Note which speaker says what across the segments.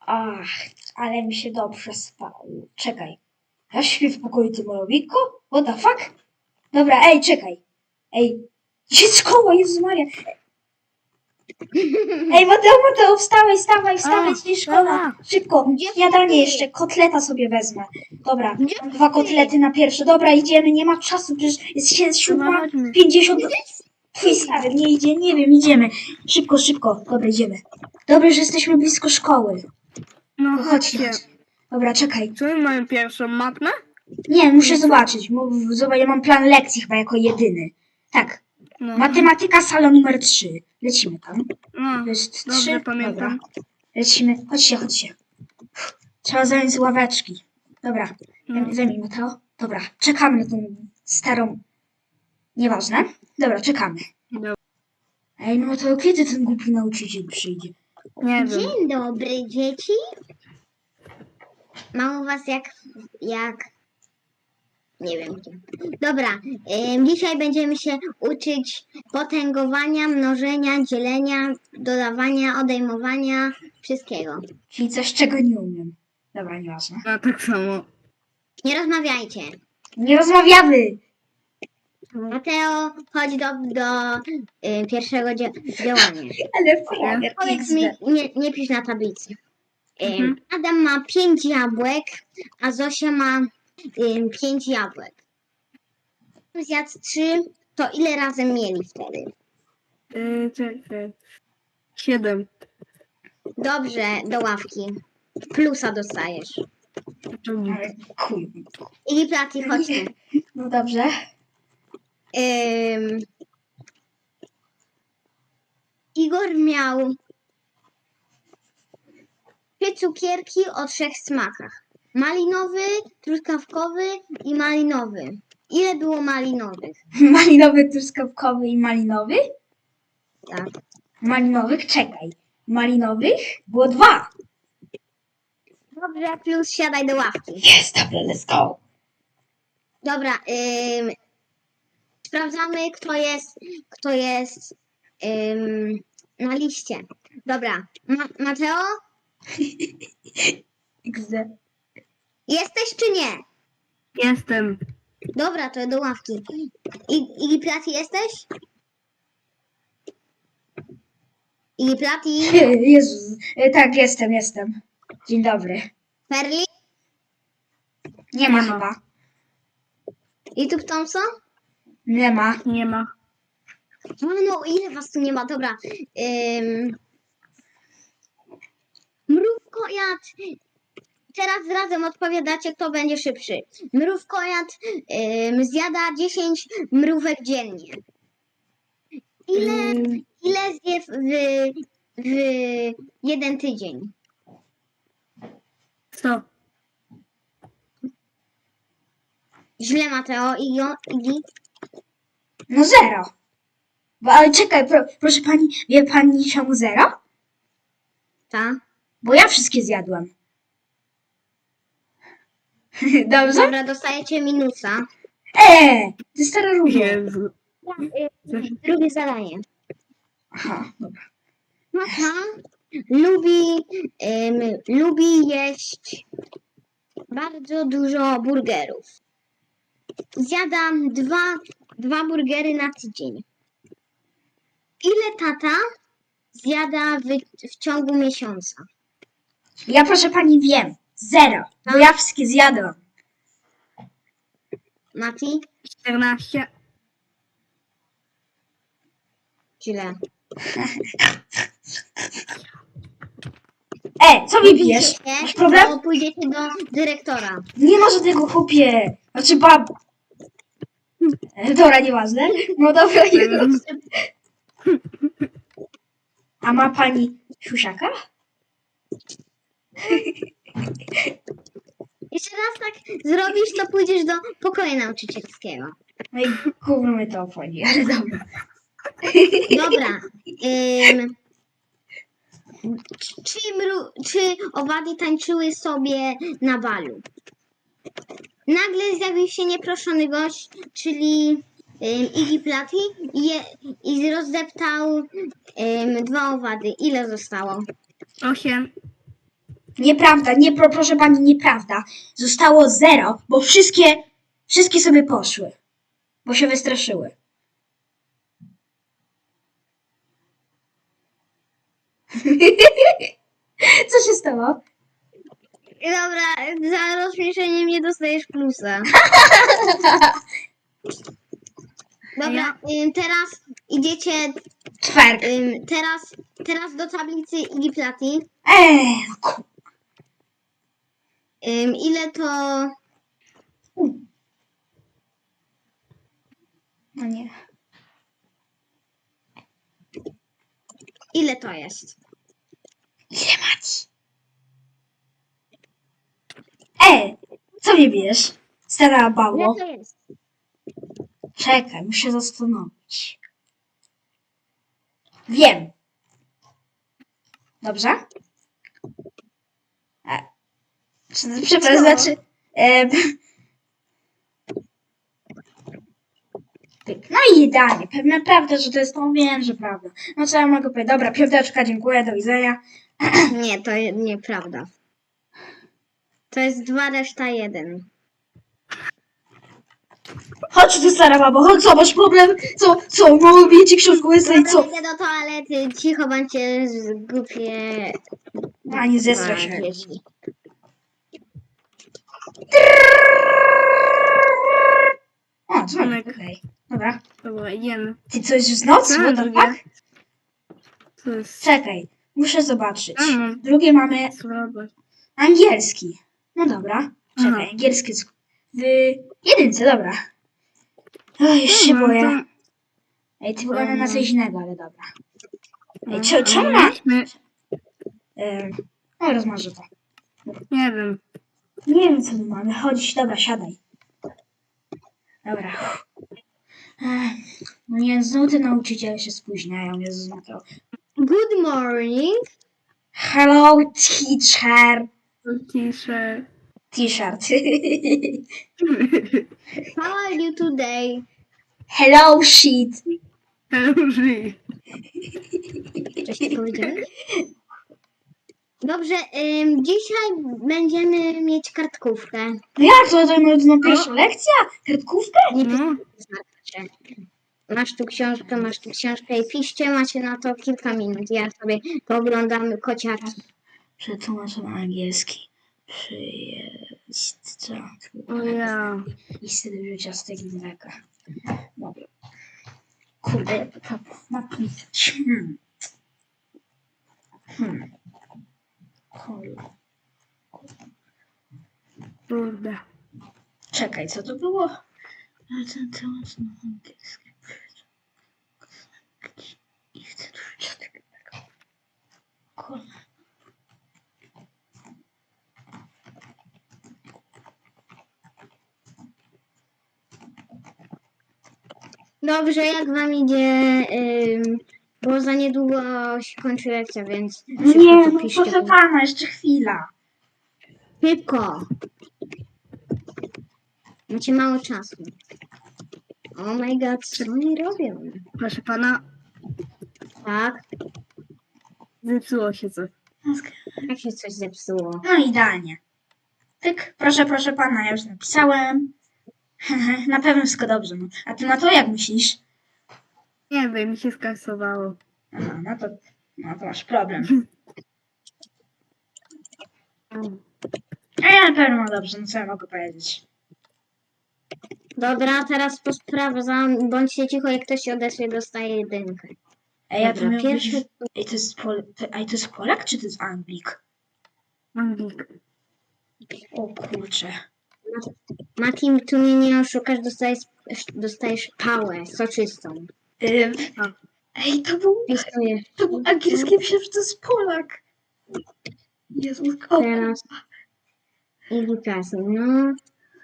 Speaker 1: Ach, ale mi się dobrze spało. Czekaj. Ja śpię w pokoju Tymolowiko? What the fuck? Dobra, ej, czekaj. Ej, dziecko, Jezus Maria. Ej, Mateo, wstawaj,
Speaker 2: A,
Speaker 1: ci szkoła.
Speaker 2: dobra.
Speaker 1: Szybko,
Speaker 3: Gdzie
Speaker 1: śniadanie
Speaker 3: ty?
Speaker 1: jeszcze, kotleta sobie wezmę. Dobra,
Speaker 3: Gdzie
Speaker 1: mam 2
Speaker 3: ty?
Speaker 1: kotlety na pierwsze. Dobra, idziemy, nie ma czasu, przecież jest
Speaker 2: Dobra, chodźmy.
Speaker 1: 7:50. Twój stary nie idzie, nie wiem, idziemy. Szybko. Dobra, idziemy. Dobrze, że jesteśmy blisko szkoły.
Speaker 2: No
Speaker 1: Chodźcie.
Speaker 2: chodźcie.
Speaker 1: Dobra, czekaj.
Speaker 2: Co my mamy pierwszą? Matmę?
Speaker 1: Nie, muszę zobaczyć. Zobacz, ja mam plan lekcji chyba jako jedyny. Tak,
Speaker 2: No.
Speaker 1: matematyka, sala numer 3. Lecimy tam.
Speaker 2: No,
Speaker 1: To jest
Speaker 2: dobrze
Speaker 1: 3.
Speaker 2: pamiętam.
Speaker 1: Dobra. Lecimy. Chodźcie. Trzeba zająć ławeczki. Dobra.
Speaker 2: No.
Speaker 1: Zajmij Mateo. Dobra. Czekamy na tą starą... Nieważne. Dobra, czekamy.
Speaker 2: Dobra.
Speaker 1: Ej, no to kiedy ten głupi nauczyciel przyjdzie?
Speaker 2: Nie wiem.
Speaker 3: Dzień dobry, dzieci. Mam u was jak... Nie wiem gdzie. Dobra, dzisiaj będziemy się uczyć potęgowania, mnożenia, dzielenia, dodawania, odejmowania, wszystkiego.
Speaker 1: Czyli coś, czego nie umiem. Dobra, nieważne.
Speaker 2: A tak samo.
Speaker 3: Nie rozmawiajcie.
Speaker 1: Nie rozmawiamy!
Speaker 3: Mateo, chodź do pierwszego działania.
Speaker 1: Ale prawie
Speaker 3: Powiedz mi, nie pisz na tablicy.
Speaker 2: Mhm.
Speaker 3: Adam ma 5 jabłek, a Zosia ma 5 jabłek. Zjadł 3, to ile razem mieli wtedy?
Speaker 2: Czekaj. 7.
Speaker 3: Dobrze, do ławki. Plusa dostajesz.
Speaker 1: Ale chuj.
Speaker 3: I Plati, chodźmy.
Speaker 1: No dobrze.
Speaker 3: Igor miał 3 cukierki o 3 smakach. Malinowy, truskawkowy i malinowy. Ile było malinowych?
Speaker 1: Malinowy, truskawkowy i malinowy?
Speaker 3: Tak.
Speaker 1: Malinowych, czekaj. Malinowych było 2.
Speaker 3: Dobrze, plus siadaj do ławki.
Speaker 1: Jest, dobra, let's go.
Speaker 3: Dobra, sprawdzamy, kto jest na liście. Dobra, Mateo,
Speaker 1: XD.
Speaker 3: jesteś czy nie?
Speaker 2: Jestem.
Speaker 3: Dobra, to do ławki. Iggy Plati jesteś? Iggy Plati,
Speaker 1: Jezus. Tak, jestem. Dzień dobry.
Speaker 3: Perli,
Speaker 1: Nie ma
Speaker 2: Nie ma.
Speaker 1: chyba.
Speaker 3: YouTube Thompson?
Speaker 1: Nie ma.
Speaker 2: Nie ma.
Speaker 3: No, ile was tu nie ma? Dobra. Mrówkojad. Teraz razem odpowiadacie, kto będzie szybszy. Mrówkojad zjada 10 mrówek dziennie. Ile zje w jeden tydzień?
Speaker 2: Co?
Speaker 3: Źle, Mateo. Iggy?
Speaker 1: No 0. Ale czekaj, proszę pani, wie pani czemu 0?
Speaker 3: Tak.
Speaker 1: Bo ja wszystkie zjadłem. Dobrze?
Speaker 3: Dobra, dostajecie minusa.
Speaker 1: Ty stara róża.
Speaker 2: Jezu.
Speaker 3: Drugie zadanie.
Speaker 1: Aha, dobra.
Speaker 3: Mata lubi jeść bardzo dużo burgerów. Zjadam dwa burgery na tydzień. Ile tata zjada w ciągu miesiąca?
Speaker 1: Ja proszę pani wiem. 0. Bo ja wszystkie zjadłam.
Speaker 3: Mati?
Speaker 2: 14.
Speaker 3: Źle.
Speaker 1: Co mi bijesz? Masz problem?
Speaker 3: Bo pójdziecie do dyrektora.
Speaker 1: Nie ma żadnego chłopie. Znaczy bab. Dobra, nieważne. No dobra, już. A ma pani siusiaka?
Speaker 3: Jeszcze raz tak zrobisz, to pójdziesz do pokoju nauczycielskiego.
Speaker 1: No i gówno mnie to obchodzi, ale dobra.
Speaker 3: Dobra. Czy owady tańczyły sobie na balu? Nagle zjawił się nieproszony gość, czyli Iggy Plati i rozdeptał 2 owady. Ile zostało?
Speaker 2: 8.
Speaker 1: Nieprawda, nie, proszę pani, nieprawda. Zostało 0, bo wszystkie sobie poszły. Bo się wystraszyły. Co się stało?
Speaker 3: Dobra, za rozśmieszenie mnie dostajesz plusa. Dobra, teraz idziecie,
Speaker 1: Twerk.
Speaker 3: teraz do tablicy Iggy Platy.
Speaker 1: No ku...
Speaker 3: Ile to...
Speaker 1: No nie.
Speaker 3: Ile to jest?
Speaker 1: Ile macie? Co mnie bijesz? Stara
Speaker 3: Ile
Speaker 1: bało.
Speaker 3: to jest?
Speaker 1: Czekaj, muszę zastanowić. Wiem. Dobrze? Przepraszam,
Speaker 3: Co?
Speaker 1: znaczy... No i idealnie. Pewna prawda, że to jest to, wiem, że prawda. No co ja mogę powiedzieć? Dobra, piąteczka, dziękuję, do widzenia.
Speaker 3: Nie, to nieprawda. To jest 2, reszta 1.
Speaker 1: Chodź tu, stara babo, chodź, co, masz problem? Co, mówię ci książkę łysej,
Speaker 3: Dobra,
Speaker 1: co?
Speaker 3: idę do toalety, cicho bądźcie głupie
Speaker 1: A, nie zesra się.
Speaker 3: dzieci.
Speaker 1: O, dzwonek, okej. Dobra.
Speaker 2: Dobra, idziemy.
Speaker 1: Ty, co jest już noc?
Speaker 2: Co
Speaker 1: What
Speaker 2: mam
Speaker 1: the
Speaker 2: drugie?
Speaker 1: fuck?
Speaker 2: To jest...
Speaker 1: Czekaj, muszę zobaczyć.
Speaker 2: A, mam
Speaker 1: Drugie mamy
Speaker 2: słabo.
Speaker 1: angielski. No dobra, czekaj,
Speaker 2: Aha.
Speaker 1: angielski jest w jedynce, dobra. Oj, już się
Speaker 2: Dobra,
Speaker 1: boję.
Speaker 2: to-
Speaker 1: Ej, ty wygląda na coś innego, ale dobra. Ej,
Speaker 2: No,
Speaker 1: czemu
Speaker 2: ale
Speaker 1: na...
Speaker 2: myśmy-
Speaker 1: No, rozmarzę to.
Speaker 2: Nie wiem.
Speaker 1: Nie wiem, co tu mamy. Chodź, dobra, siadaj. Dobra. No nie, znowu te nauczyciele się spóźniają, Jezus na to.
Speaker 3: Good morning.
Speaker 1: Hello, teacher.
Speaker 2: Ciszę.
Speaker 1: T-shirt.
Speaker 3: How are you today?
Speaker 1: Hello, shit.
Speaker 2: Żyj.
Speaker 3: Coś ty powiedziałeś? Dobrze, dzisiaj będziemy mieć kartkówkę.
Speaker 1: No jak to pierwsza lekcja? Kartkówkę?
Speaker 3: Nie
Speaker 2: No,
Speaker 3: pisarcie. Masz tu książkę i piszcie, macie na to kilka minut. Ja sobie pooglądam kociaki.
Speaker 1: Przetłumaczę na angielski. Przyjeźdźca.
Speaker 2: o ja.
Speaker 1: I styl życia z tego mleka. Dobra. Kurde, jak to napisać. Kurde.
Speaker 2: Kurde.
Speaker 1: Czekaj, co to było? Ale ten temat na angielski. I chcę tu życia z tego mleka. Kurde.
Speaker 3: Dobrze, jak wam idzie? Bo za niedługo się kończy lekcja, więc
Speaker 1: Nie,
Speaker 3: szybko
Speaker 1: no
Speaker 3: to piszcie.
Speaker 1: proszę pana, jeszcze chwila.
Speaker 3: Szybko! Macie mało czasu. Oh my god, co oni robią?
Speaker 2: Proszę pana,
Speaker 3: Tak?
Speaker 2: zepsuło się coś.
Speaker 3: Jak się coś zepsuło?
Speaker 1: No idealnie. Tyk, proszę pana, ja już napisałem. Na pewno wszystko dobrze. No. A ty na to jak myślisz?
Speaker 2: Nie wiem, mi się skasowało.
Speaker 1: Aha, no to masz problem. A ja na pewno mam dobrze, no co ja mogę powiedzieć?
Speaker 3: Dobra, teraz posprawdzam. Bądźcie cicho, jak ktoś się odezwie, dostaje jedynkę.
Speaker 1: Ej, ja to
Speaker 3: Dobra,
Speaker 1: miał być...
Speaker 3: pierwszy...
Speaker 1: Ej, to jest Ej, to jest Polak, czy to jest Anglik?
Speaker 2: Anglik.
Speaker 1: O kurczę.
Speaker 3: Mati, tu mnie nie oszukasz, dostajesz pałę soczystą.
Speaker 1: A. Ej,
Speaker 3: Pisuję.
Speaker 1: to był angielski, myślałem, że to jest Polak. Jezus, o
Speaker 3: Teraz edukację, no.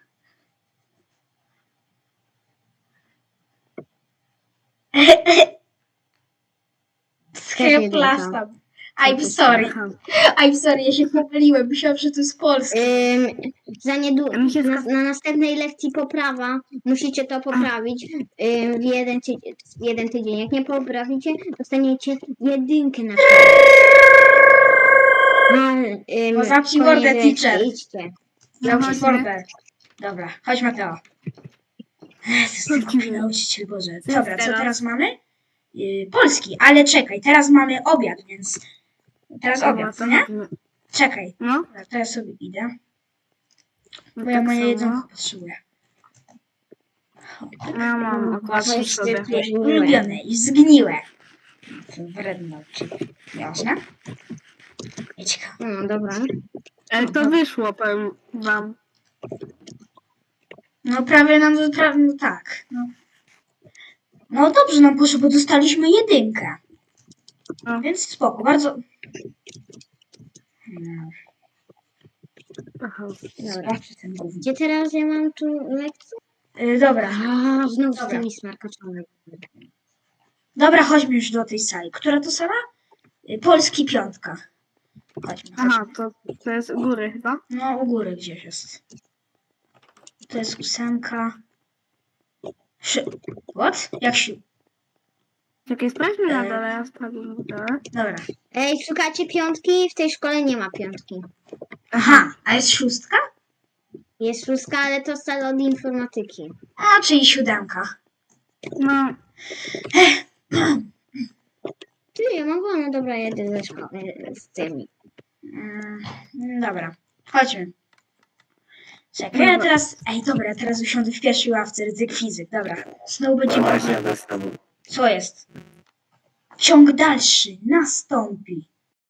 Speaker 1: Hair plasta. I'm sorry.
Speaker 2: Aha.
Speaker 1: I'm sorry, ja się pomyliłem. Myślałam, że to jest polski.
Speaker 3: Za niedługo,
Speaker 2: A mi się
Speaker 3: na następnej lekcji poprawa, musicie to poprawić w jeden tydzień. Jak nie poprawicie, dostaniecie jedynkę na przykład. No,
Speaker 1: zamknij
Speaker 3: koniec
Speaker 1: mordę,
Speaker 3: lekcji,
Speaker 1: teacher.
Speaker 3: idźcie.
Speaker 1: Zamknij
Speaker 2: chodźmy.
Speaker 1: mordę. Dobra, chodź Mateo. Jezus, ten głupi nauczyciel, Boże. Dobra, co teraz mamy? Polski, ale czekaj, teraz mamy obiad, więc... Teraz obiad, co nie? Czekaj,
Speaker 2: No,
Speaker 1: dobra, to ja sobie idę,
Speaker 2: no
Speaker 1: bo ja
Speaker 2: tak
Speaker 1: moje
Speaker 2: samo.
Speaker 1: jedzonko potrzebuję.
Speaker 2: Ja mam akurat
Speaker 3: Weź
Speaker 2: sobie.
Speaker 3: ty, ty,
Speaker 1: Ulubione i zgniłe. Wredny nauczyciel. Jasne? Idź go.
Speaker 3: No dobra.
Speaker 2: Ale to wyszło, powiem wam.
Speaker 1: No prawie nam, no tak. No dobrze nam poszło, bo dostaliśmy 1.
Speaker 2: No.
Speaker 1: Więc spoko, bardzo... No,
Speaker 2: Aha.
Speaker 1: sprawdź ten gówno.
Speaker 3: Gdzie teraz ja mam tu lekcję?
Speaker 1: Dobra,
Speaker 3: A, znów z
Speaker 1: Dobra.
Speaker 3: tymi smarkaczami.
Speaker 1: dobra, chodźmy już do tej sali. Która to sala? Polski 5. Chodźmy.
Speaker 2: Aha, to jest u góry chyba.
Speaker 1: No, u góry gdzieś jest. To jest 8. What? Jak się...
Speaker 2: Czekaj, sprawdźmy na dole, ja sprawdzę na dole.
Speaker 1: Dobra.
Speaker 3: Ej, szukacie 5? W tej szkole nie ma 5.
Speaker 1: Aha, a jest 6?
Speaker 3: Jest 6, ale to sala od informatyki.
Speaker 1: A, czyli 7.
Speaker 2: No,
Speaker 3: Ty, ja mam wolno, dobra, jedę ze szkoły z tymi.
Speaker 1: Dobra, chodźmy. Czekaj, ja teraz... Ej, dobra, teraz usiądę w pierwszej ławce, ryzyk fizyk. Dobra, znowu będzie... Co jest? Ciąg dalszy nastąpi.